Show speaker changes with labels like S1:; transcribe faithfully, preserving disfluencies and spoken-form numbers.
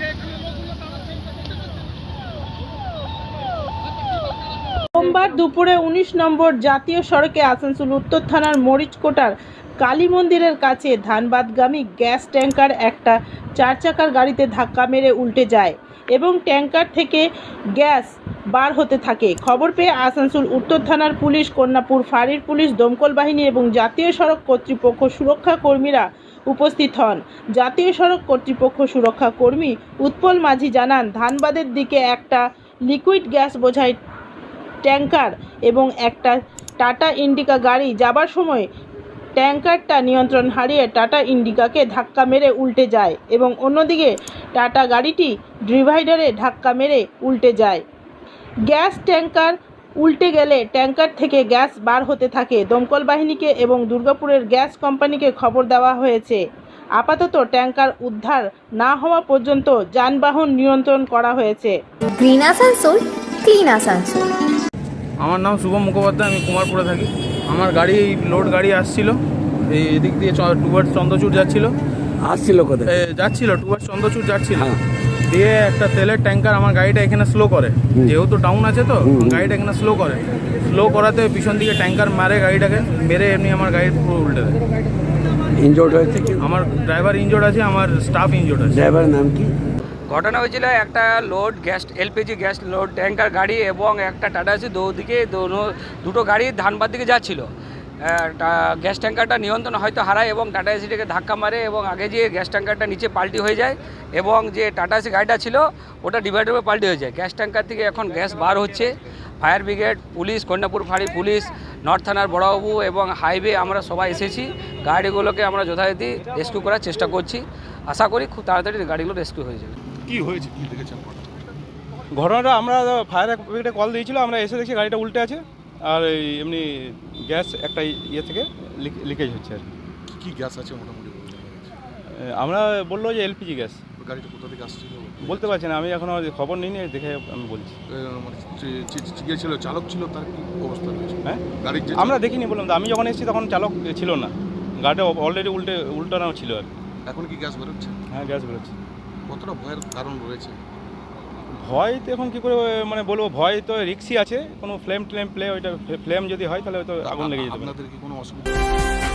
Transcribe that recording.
S1: সোমবার দুপুরে উনিশ নম্বর জাতীয় সড়কে আসানসোল উত্তর থানার মরিচকোটার কালী মন্দিরের কাছে ধানবাদগামী গ্যাস ট্যাঙ্কার একটা চার চাকার গাড়িতে ধাক্কা মেরে উল্টে যায় এবং ট্যাঙ্কার থেকে গ্যাস বার হতে থাকে। খবর পেয়ে আসানসোল উত্তর থানার পুলিশ, কন্যাপুর ফাঁড়ির পুলিশ, দমকল বাহিনী এবং জাতীয় সড়ক কর্তৃপক্ষ সুরক্ষা কর্মীরা উপস্থিত হন। জাতীয় সড়ক কর্তৃপক্ষ সুরক্ষা কর্মী উৎপল মাঝি জানান, ধানবাদের দিকে একটা লিকুইড গ্যাস বোঝাই ট্যাঙ্কার এবং একটা টাটা ইন্ডিকা গাড়ি যাবার সময় ট্যাঙ্কারটা নিয়ন্ত্রণ হারিয়ে টাটা ইন্ডিকাকে ধাক্কা মেরে উল্টে যায় এবং অন্যদিকে টাটা গাড়িটি ডিভাইডারে ধাক্কা মেরে উল্টে যায়। গ্যাস ট্যাঙ্কার উল্টে গেলে ট্যাঙ্কার থেকে গ্যাস বার হতে থাকে। দমকল বাহিনীকে এবং দুর্গাপুরের গ্যাস কোম্পানিকে খবর দেওয়া হয়েছে। আপাতত ট্যাঙ্কার উদ্ধার না হওয়া পর্যন্ত যানবাহন নিয়ন্ত্রণ করা হয়েছে।
S2: Green Asansol, clean Asansol.
S3: আমার নাম শুভম মুখোপাধ্যায়, আমি কুমারপুরে থাকি। আমার গাড়ি লোড গাড়ি আসছিল, এই এদিক দিয়ে টুয়ার্ডস চন্দ্রচূড় যাচ্ছিল
S4: আসছিল কোথায়
S3: যাচ্ছিল টুয়ার্ডস চন্দ্রচূড় যাচ্ছিল দিয়ে একটা তেলের ট্যাঙ্কার আমার গাড়িটা এখানে স্লো করে, যেহেতু ডাউন আছে তো গাড়িটা এখানে স্লো করে স্লো করাতে পিছন দিকে ট্যাঙ্কার মারে, গাড়িটাকে মেরে এমনি আমার গাড়ি পুরো উল্টে দেয়।
S4: ইনজোর্ড হয়েছে কি?
S3: আমার ড্রাইভার ইনজোর্ড আছে, আমার স্টাফ ইনজোর্ড আছে।
S4: ড্রাইভারের নাম কি?
S5: ঘটনা হয়েছিল একটা load gas LPG gas load tanker গাড়ি এবং একটা টাটা এসি দুদিকে দুটো গাড়ি ধানবাদ দিকে যাচ্ছিল। গ্যাস ট্যাঙ্কারটা নিয়ন্ত্রণ হয়তো হারায় এবং টাটা এসিটাকে ধাক্কা মারে এবং আগে যে গ্যাস ট্যাঙ্কারটা নিচে পাল্টি হয়ে যায় এবং যে টাটা এসি গাড়িটা ছিল ওটা ডিভাইডারে পাল্টি হয়ে যায়। গ্যাস ট্যাঙ্কার থেকে এখন গ্যাস বার হচ্ছে। ফায়ার ব্রিগেড, পুলিশ, কন্যাপুর ফাঁড়ি পুলিশ, নর্থ থানার বড়বাবু এবং হাইওয়ে আমরা সবাই এসেছি। গাড়িগুলোকে আমরা যথারীতি রেস্কিউ করার চেষ্টা করছি। আশা করি খুব তাড়াতাড়ি গাড়িগুলো রেস্কিউ হয়ে যাবে।
S6: কি হয়েছে, কি দেখেছেন?
S7: ঘটনাটা আমরা ফায়ার ব্রিগেডে কল দিয়েছিল, আমরা এসে দেখছি গাড়িটা উল্টে আছে আর এই এমনি গ্যাস একটা ইয়ে থেকে লিকেজ হচ্ছে আর
S6: কি গ্যাস আছে মোটামুটি?
S7: আমরা বললো যে এলপিজি গ্যাস।
S6: গাড়িটা কোথা থেকে আসছিল
S7: বলতে পারছি না, আমি এখনও খবর নিইনি, দেখে আমি বলছি।
S6: মানে ছিল চালক ছিল, তার কি অবস্থা রয়েছে?
S7: হ্যাঁ,
S6: গাড়ির
S7: আমরা দেখিনি, বললাম তো, আমি যখন এসেছি তখন চালক ছিল না, গাড়িটা অলরেডি উল্টে উল্টানো ছিল আর।
S6: এখন কি গ্যাস বেরোচ্ছে?
S7: হ্যাঁ, গ্যাস বেরোচ্ছে।
S6: কতটা ভয়ের কারণ রয়েছে?
S7: ভয় তো এখন কী করে মানে বলবো, ভয় তো রিক্সই আছে, কোনো ফ্লেম ট্লেম প্লে ওইটা ফ্লেম যদি হয় তাহলে হয়তো আগুন লেগে যেতে পারে।
S6: আপনাদের কি কোনো অসুবিধা?